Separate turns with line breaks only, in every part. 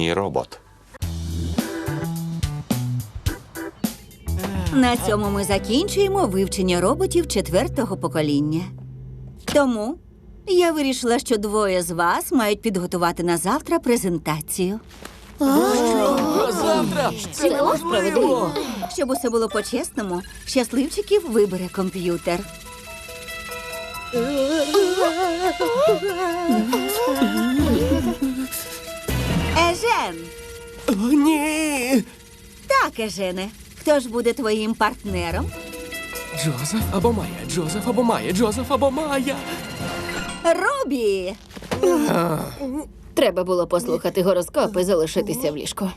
мій робот.
На цьому ми закінчуємо вивчення роботів 4-го покоління. Тому я вирішила, що двоє з вас мають підготувати на завтра презентацію.
Завтра!
Цілком справедливо. Щоб усе було по-чесному, щасливчиків вибере комп'ютер. Ежен!
О, ні!
Так, Ежене. Хто ж буде твоїм партнером?
Джозеф або Майя, Джозеф або Майя, Джозеф або Майя.
Робі!
Треба було послухати гороскоп і залишитися в ліжку.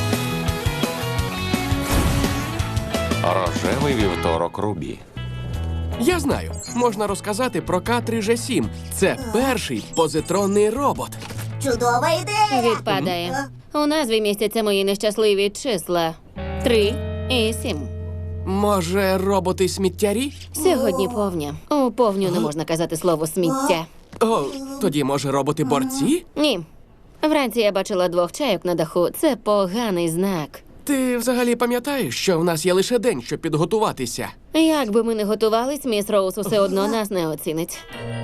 Рожевий вівторок Рубі.
Я знаю, можна розказати про К-3Ж7. Це перший позитронний робот.
Чудова ідея!
Відпадає. У назві містяться мої нещасливі числа. 3 і 7.
Може, роботи-сміттярі?
Сьогодні повня. У повню не можна казати слово «сміття».
О, тоді, може, роботи-борці?
Ні. Вранці я бачила 2 чайок на даху. Це поганий знак.
Ти взагалі пам'ятаєш, що в нас є лише день, щоб підготуватися?
Як би ми не готувались, міс Роуз усе одно нас не оцінить.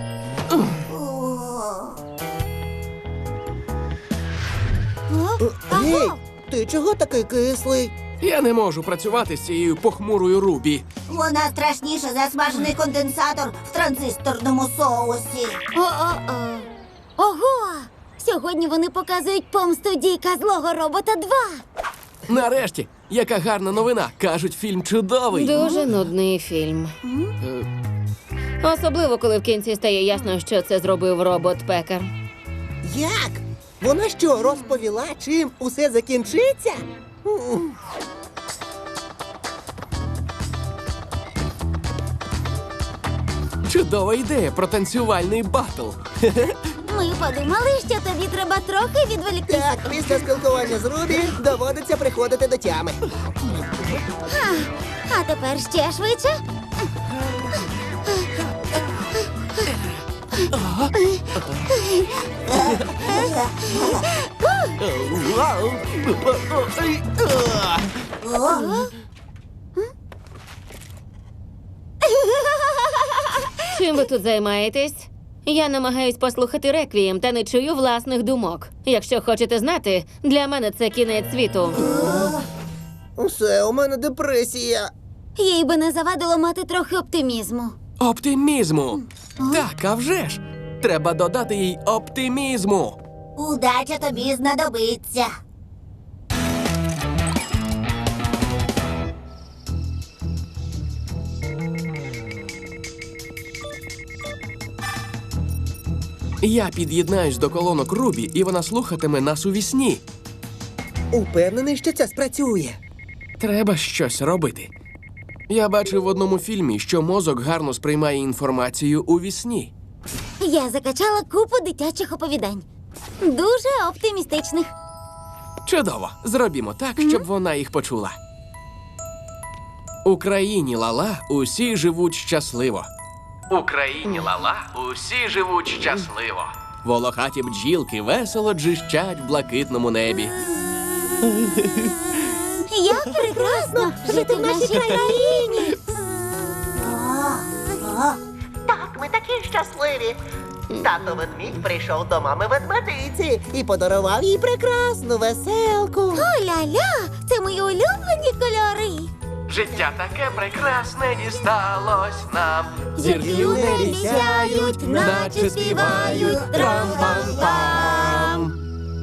Гей, ти чого такий кислий?
Я не можу працювати з цією похмурою Рубі.
Вона страшніша за смажений конденсатор в транзисторному соусі.
О-о-о. Ого! Сьогодні вони показують помсту дійка злого робота 2.
Нарешті, яка гарна новина. Кажуть, фільм чудовий.
Дуже нудний фільм. Особливо, коли в кінці стає ясно, що це зробив робот-пекар.
Як? Вона що, розповіла, чим усе закінчиться?
Чудова ідея про танцювальний батл.
Ми подумали, що тобі треба трохи відволіктися.
Так, після спілкування з Рубі доводиться приходити до тями.
А тепер ще швидше.
Чим ви тут займаєтесь? Я намагаюсь послухати реквієм та не чую власних думок. Якщо хочете знати, для мене це кінець світу.
Усе, у мене депресія.
Їй би не завадило мати трохи оптимізму.
Оптимізму. Так, а вже ж. Треба додати їй оптимізму.
Удача тобі знадобиться.
Я під'єднаюсь до колонок Рубі, і вона слухатиме нас у вісні.
Упевнений, що це спрацює.
Треба щось робити. Я бачив в одному фільмі, що мозок гарно сприймає інформацію у вісні.
Я закачала купу дитячих оповідань. Дуже оптимістичних.
Чудово. Зробімо так, щоб вона їх почула. У країні Лала усі живуть щасливо. У країні Лала усі живуть щасливо. Волохаті бджілки весело джищать в блакитному небі.
Як прекрасно жити в нашій країні.
Так, ми такі щасливі. Тато ведмідь прийшов до мами ведмедиці і подарував їй прекрасну веселку.
О-ля-ля, це мої улюблені кольори.
Життя таке прекрасне дісталось нам.
Зірки у небі сяють, наче співають трам-пам-пам.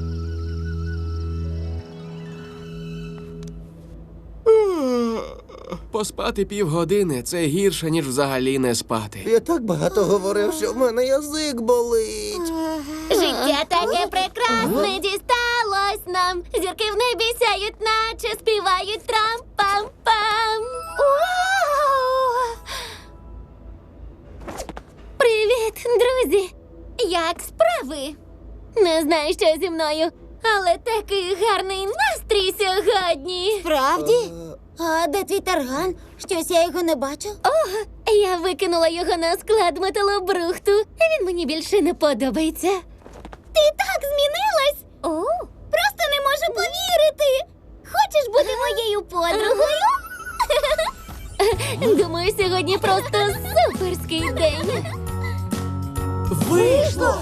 Поспати півгодини – це гірше, ніж взагалі не спати.
Я так багато говорив, що в мене язик болить.
Життя таке прекрасне дісталось нам. Зірки в небі сяють, наче співають трам-пам-пам. Вау! Привіт, друзі! Як справи? Не знаю, що зі мною, але такий гарний настрій сьогодні. Справді? А де твій тарган? Щось я його не бачу. О, я викинула його на склад металобрухту. Він мені більше не подобається. Ти так змінилась? О, просто не можу можу повірити! Хочеш бути моєю подругою? Думаю, сьогодні просто суперський день.
Вийшло!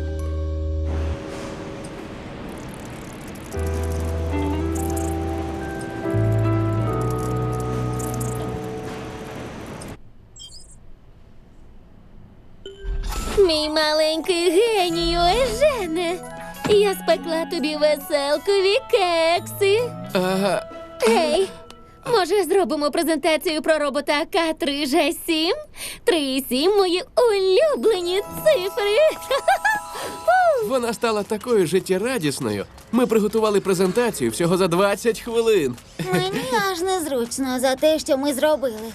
Мій маленький генію Ежене. Я спекла тобі веселкові кекси.
Ага.
Гей, може зробимо презентацію про робота К3Ж7? 3 і 7 – мої улюблені цифри.
Вона стала такою життєрадісною. Ми приготували презентацію всього за 20 хвилин.
Мені аж незручно за те, що ми зробили.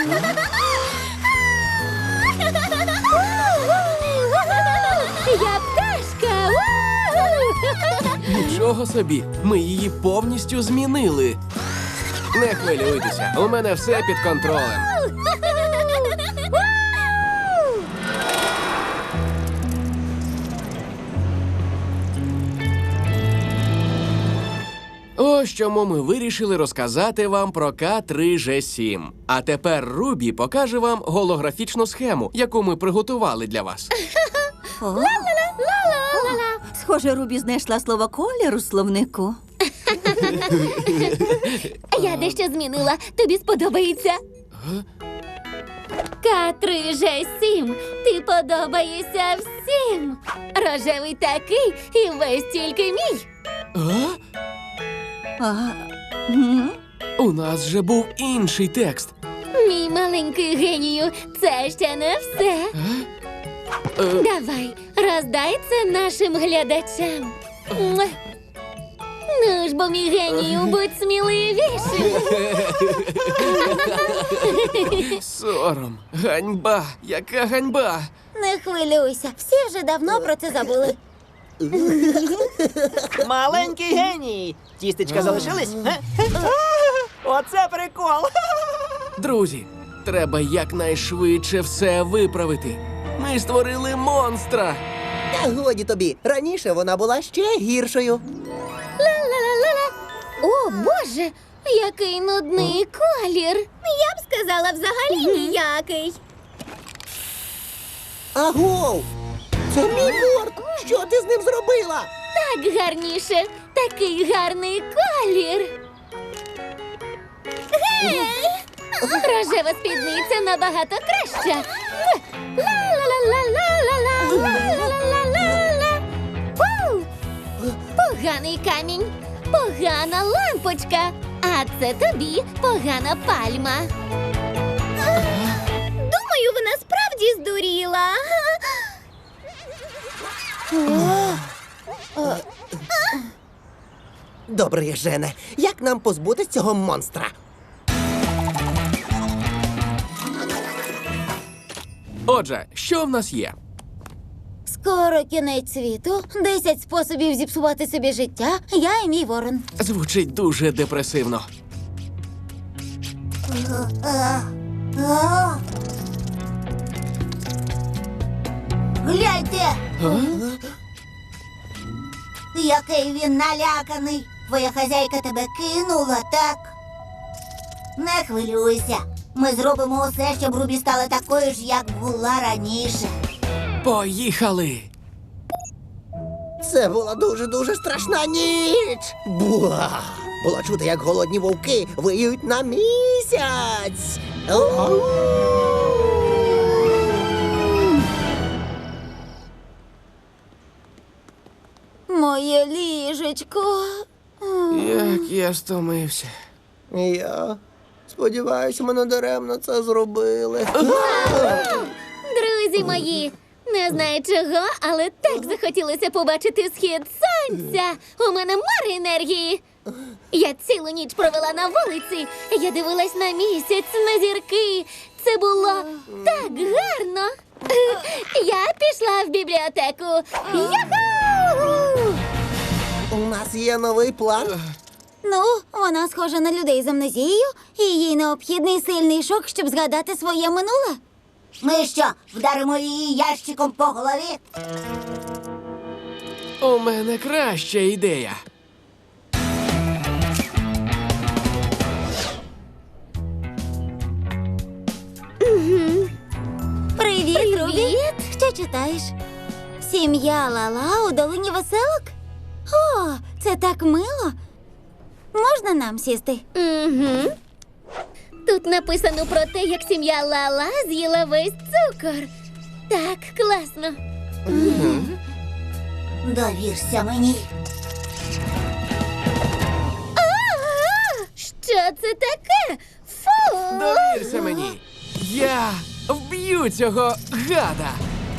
Я пташка!
Нічого собі, ми її повністю змінили. Не хвилюйтеся, у мене все під контролем. Ось чому ми вирішили розказати вам про К3Ж7. А тепер Рубі покаже вам голографічну схему, яку ми приготували для вас.
Схоже, Рубі знайшла слово колір у словнику.
Я дещо змінила. Тобі сподобається? К3Ж7, ти подобаєшся всім. Рожевий такий і весь тільки мій.
А? У нас же був інший текст.
Мій маленький генію, це ще не все. Давай, роздай це нашим глядачам. Муа. Ну ж бо, мій генію, будь сміливішим.
Сором, ганьба, яка ганьба.
Не хвилюйся, всі вже давно про це забули.
Маленький геній! Тістечка залишились? Оце прикол!
Друзі, треба якнайшвидше все виправити. Ми створили монстра.
Та годі тобі, раніше вона була ще гіршою.
Ла-ла-ла-ла-ла. О, Боже, який нудний колір. Я б сказала, взагалі ніякий.
Агов! Це мій борт! Що ти з ним зробила?
Так гарніше, такий гарний колір. Гей! Рожева спідниця набагато краща. Ла-ла-ла-ла-ла-ла-ла, ла-ла-ла-ла-ла. Вау! Поганий камінь, погана лампочка, а це тобі погана пальма. Думаю, вона справді здуріла.
Добре, Жене, як нам позбутись цього монстра?
Отже, що в нас є?
Скоро кінець світу, 10 способів зіпсувати собі життя, я і мій ворон.
Звучить дуже депресивно.
Гляньте,
А?
який він наляканий. Твоя хазяйка тебе кинула, так? Не хвилюйся. Ми зробимо усе, щоб Рубі стала такою ж, як була раніше.
Поїхали!
Це була дуже-дуже страшна ніч. Буа! Було чути, як голодні вовки виють на місяць. Ау!
Моє ліжечко.
Як я стомився.
Я сподіваюся, ми надаремно це зробили.
Друзі мої, не знаю чого, але так захотілося побачити схід сонця. У мене море енергії. Я цілу ніч провела на вулиці. Я дивилась на місяць, на зірки. Це було так гарно. Я пішла в бібліотеку. Яху!
У нас є новий план.
Ну, вона схожа на людей з амнезією, і їй необхідний сильний шок, щоб згадати своє минуле.
Ми що, вдаримо її ящиком по голові?
У мене краща ідея.
Привіт! Що читаєш? Сім'я Лала у долині веселок? О, це так мило. Можна нам сісти?
Угу. Тут написано про те, як сім'я Лала з'їла весь цукор. Так, класно.
Довірся мені.
Що це таке? Фу!
Довірся мені. Я вб'ю цього гада.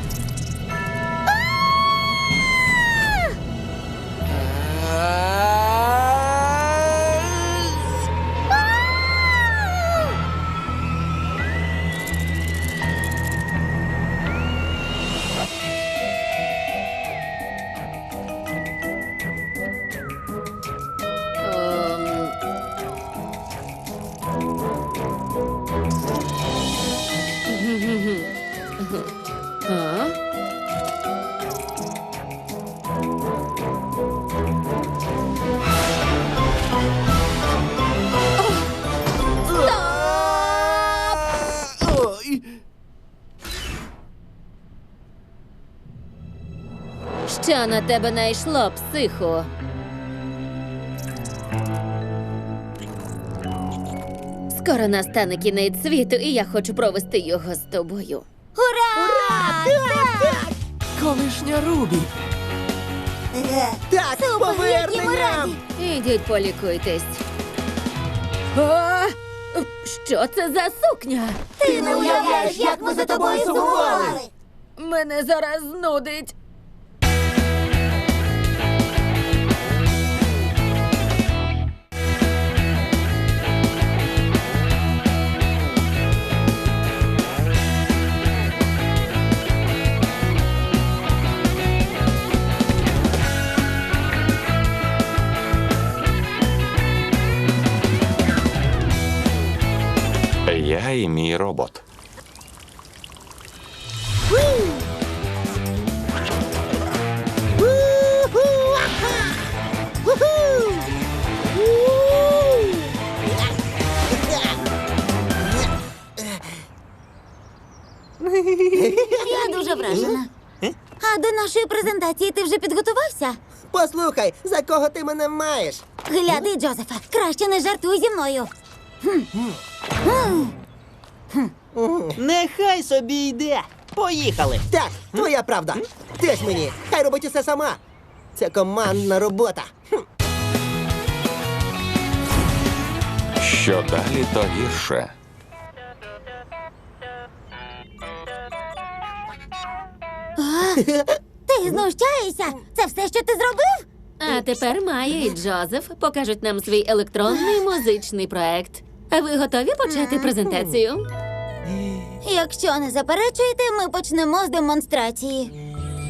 Ой.
Що на тебе найшло, психо? Скоро настане кінець світу, і я хочу провести його з тобою.
Ура!
Колишня Рубі.
Так, повернення!
Ідіть полікуйтесь. А! Що це за сукня?
Ти не уявляєш, як ми за тобою сумували.
Мене зараз знудить.
Я і мій робот.
Я дуже вражена. А до нашої презентації ти вже підготувався?
Послухай, за кого ти мене маєш?
Гляди, Джозефе, краще не жартуй зі мною.
Нехай собі йде. Поїхали.
Так, твоя правда. Теж мені. Хай робить усе сама. Це командна робота.
Що далі, то гірше.
Ти знущаєшся? Це все, що ти зробив?
А тепер Майя і Джозеф покажуть нам свій електронний музичний проект. А ви готові почати презентацію?
Якщо не заперечуєте, ми почнемо з демонстрації.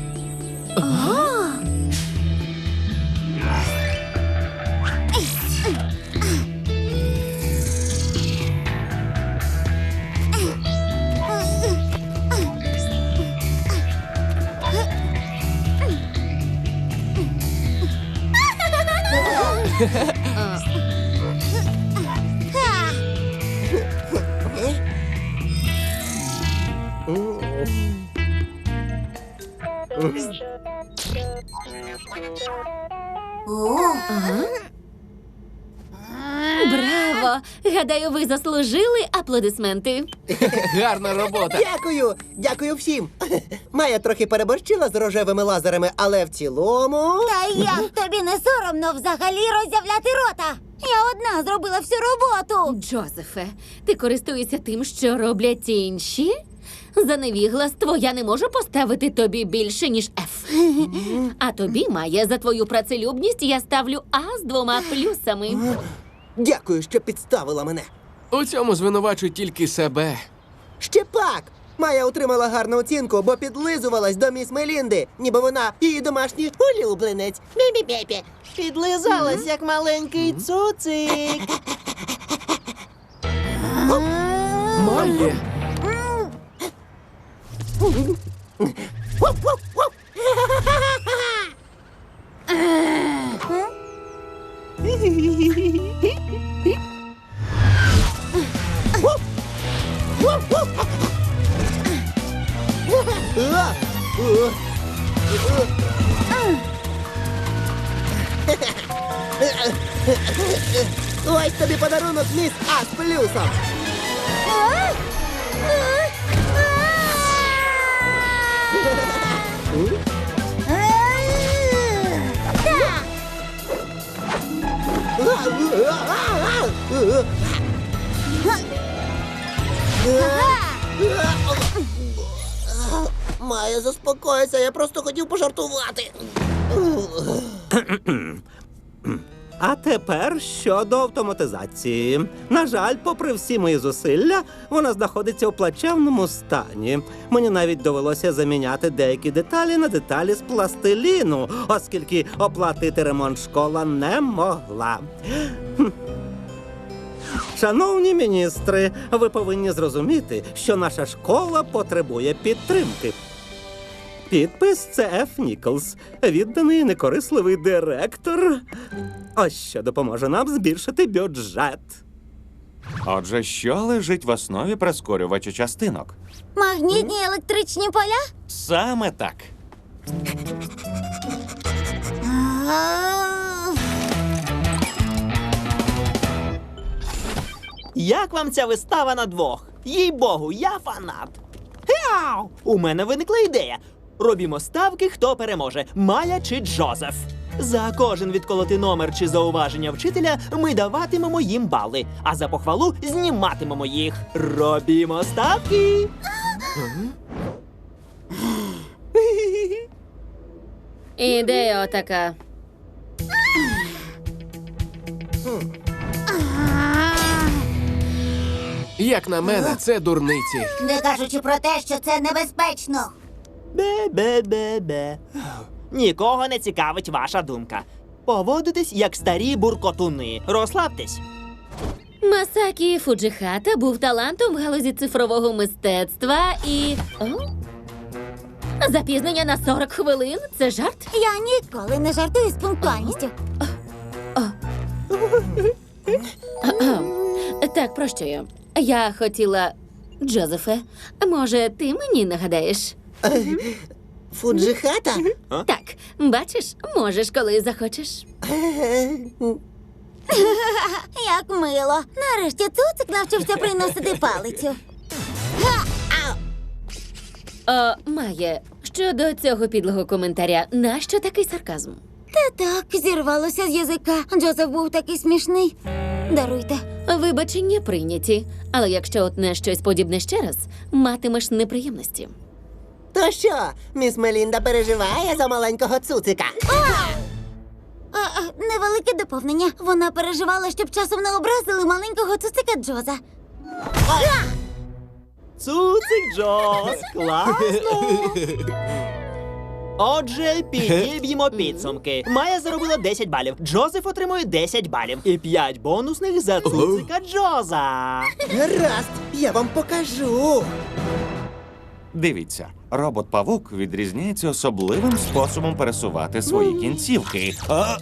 Браво! Гадаю, ви заслужили аплодисменти.
Гарна робота.
Дякую! Дякую всім! Майя трохи переборщила з рожевими лазерами, але в цілому.
Та як тобі не соромно взагалі роззявляти рота? Я одна зробила всю роботу.
Джозефе, ти користуєшся тим, що роблять інші? За невігластво я не можу поставити тобі більше, ніж F. А тобі, Майя, за твою працелюбність я ставлю А з 2 плюсами.
Дякую, що підставила мене.
У цьому звинувачуй тільки себе.
Ще пак! Майя отримала гарну оцінку, бо підлизувалась до міс Мелінди, ніби вона її домашній улюбленець. Бі-бі-бі-бі.
Підлизалась, як маленький цуцик.
Майя.
Ось тобі подарунок, міс А з плюсом. Майя, заспокойся, я просто хотів пожартувати.
А тепер щодо автоматизації. На жаль, попри всі мої зусилля, вона знаходиться у плачевному стані. Мені навіть довелося заміняти деякі деталі на деталі з пластиліну, оскільки оплатити ремонт школа не могла. Шановні міністри, ви повинні зрозуміти, що наша школа потребує підтримки. Підпис – це Ф. Ніколс, відданий і некорисливий директор. Ось що допоможе нам збільшити бюджет.
Отже, що лежить в основі прискорювача частинок?
Магнітні електричні поля?
Саме так.
Як вам ця вистава на двох? Їй-богу, я фанат. Хяу! У мене виникла ідея. Робімо ставки, хто переможе, Майя чи Джозеф. За кожен відколотий номер чи зауваження вчителя ми даватимемо їм бали, а за похвалу зніматимемо їх. Робімо ставки.
Ідея отака.
Як на мене, це дурниці.
Не кажучи про те, що це небезпечно.
Бе-бе-бе-бе. Нікого не цікавить ваша думка. Поводитесь, як старі буркотуни. Розслабтесь.
Масакі Фуджихата був талантом в галузі цифрового мистецтва і... О? Запізнення на 40 хвилин? Це жарт?
Я ніколи не жартую з пунктуальністю.
Так, про що я? Я хотіла... Джозефе, може, ти мені нагадаєш?
Фуджихата?
Так, бачиш, можеш, коли захочеш.
Як мило. Нарешті Цуцик навчився приносити палицю.
Майє, щодо цього підлого коментаря, нащо такий сарказм?
Та так, зірвалося з язика. Джозеф був такий смішний. Даруйте.
Вибачення прийняті, але якщо отне щось подібне ще раз, матимеш неприємності.
То що, міс Мелінда переживає за маленького цуцика?
Невелике доповнення. Вона переживала, щоб часом не образили маленького цуцика Джоза.
Цуцик Джоз, класно! Отже, підіб'ємо підсумки. Майя заробила 10 балів, Джозеф отримує 10 балів. І 5 бонусних за цуцика Джоза.
Гаразд, я вам покажу.
Дивіться, робот-павук відрізняється особливим способом пересувати свої кінцівки.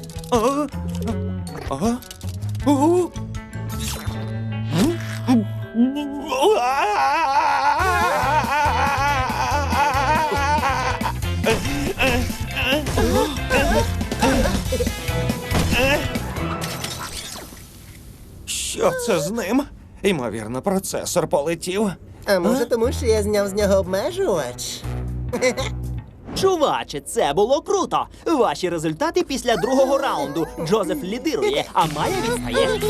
Що це з ним? Ймовірно, процесор полетів.
А може тому, що я зняв з нього обмежувач?
Чуваче, це було круто! Ваші результати після другого раунду. Джозеф лідирує, а Майя відстає.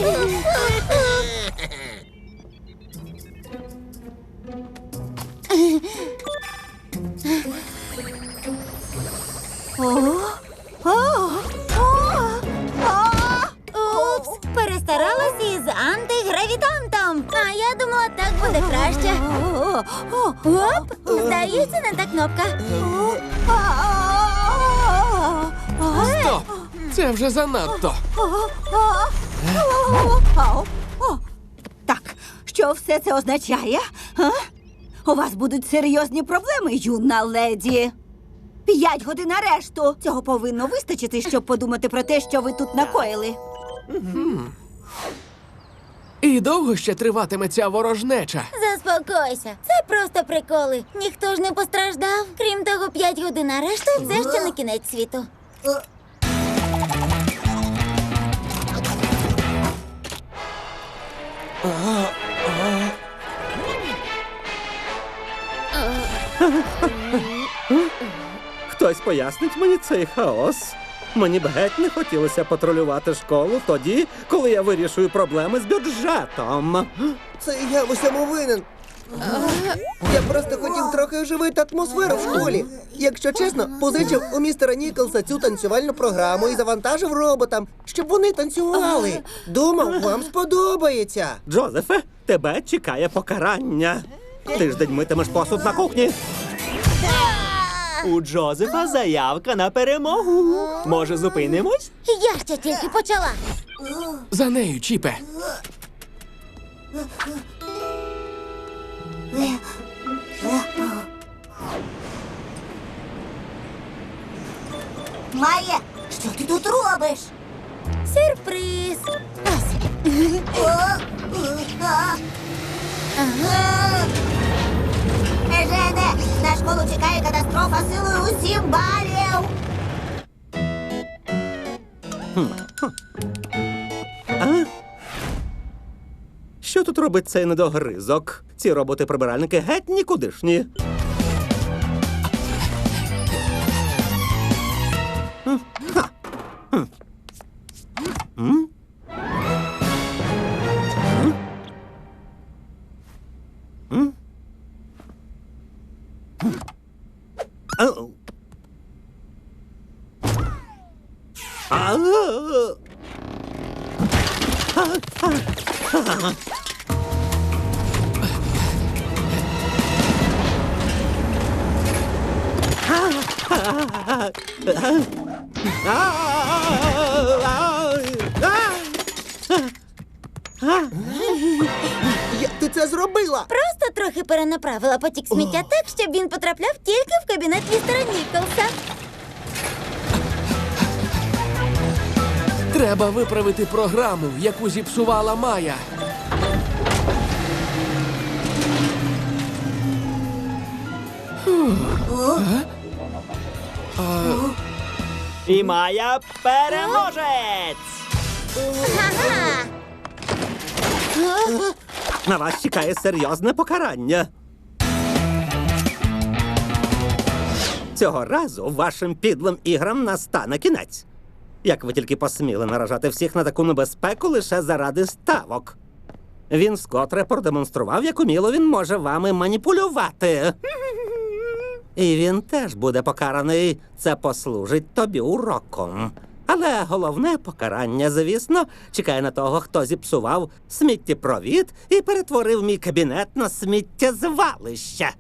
Упс, перестаралася із антигравітантом. А я думала, так буде краще. Оп, здається, не та кнопка.
Стоп! Це вже занадто.
Так, що все це означає? А? У вас будуть серйозні проблеми, юна леді. 5 годин арешту. Цього повинно вистачити, щоб подумати про те, що ви тут накоїли.
І довго ще триватиме ця ворожнеча?
Заспокойся. Це просто приколи. Ніхто ж не постраждав. Крім того, 5 годин арешту – це ще не кінець світу.
Хтось пояснить мені цей хаос? Мені б геть не хотілося патрулювати школу тоді, коли я вирішую проблеми з бюджетом.
Це я в усьому винен. Я просто хотів трохи оживити атмосферу в школі. Якщо чесно, позичив у містера Ніколса цю танцювальну програму і завантажив роботам, щоб вони танцювали. Думав, вам сподобається.
Джозефе, тебе чекає покарання. Тиждень митимеш посуд на кухні.
У Джозефа заявка на перемогу. Може, зупинимось?
Я ще тільки почала.
За нею, Чіпе.
Майя, що ти тут робиш?
Сюрприз. Ось.
Ежене, на школу чекає катастрофа силою у 7 балів.
Що тут робить цей недогризок? Ці роботи-прибиральники геть нікудишні.
Як ти це зробила?
Просто трохи перенаправила потік сміття так, щоб він потрапляв тільки в кабінет містера Ніколса.
Треба виправити програму, яку зіпсувала Майя.
І Майя переможець!
Ага!
На вас чекає серйозне покарання. Цього разу вашим підлим іграм настане кінець. Як ви тільки посміли наражати всіх на таку небезпеку лише заради ставок. Він скотре продемонстрував, як уміло він може вами маніпулювати. І він теж буде покараний. Це послужить тобі уроком. Але головне покарання, звісно, чекає на того, хто зіпсував сміттєпровід і перетворив мій кабінет на сміттєзвалище.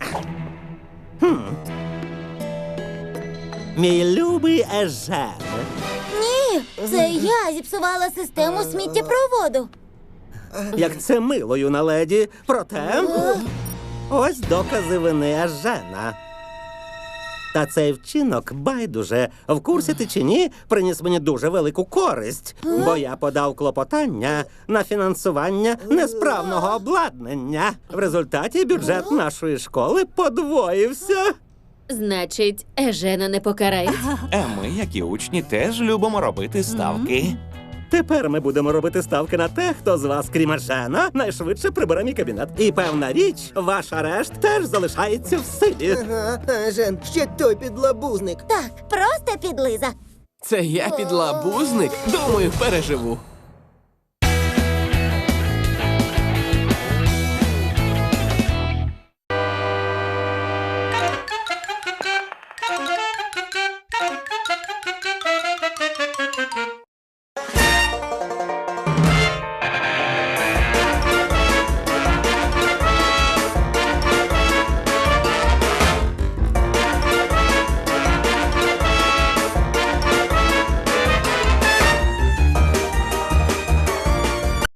Мій любий Ежен.
Ні, це я зіпсувала систему сміттєпроводу.
Як це мило, юна леді. Проте, ось докази вини Ежена. Та цей вчинок, байдуже, в курсі ти чи ні, приніс мені дуже велику користь, бо я подав клопотання на фінансування несправного обладнання. В результаті бюджет нашої школи подвоївся.
Значить, Ежена не покарають?
А ми, як і учні, теж любимо робити ставки.
Тепер ми будемо робити ставки на те, хто з вас, крім Ежена, найшвидше прибере мій кабінет. І певна річ, ваш арешт теж залишається в силі.
Ага, Жен, ще той підлабузник.
Так, просто підлиза.
Це я підлабузник? Думаю, переживу.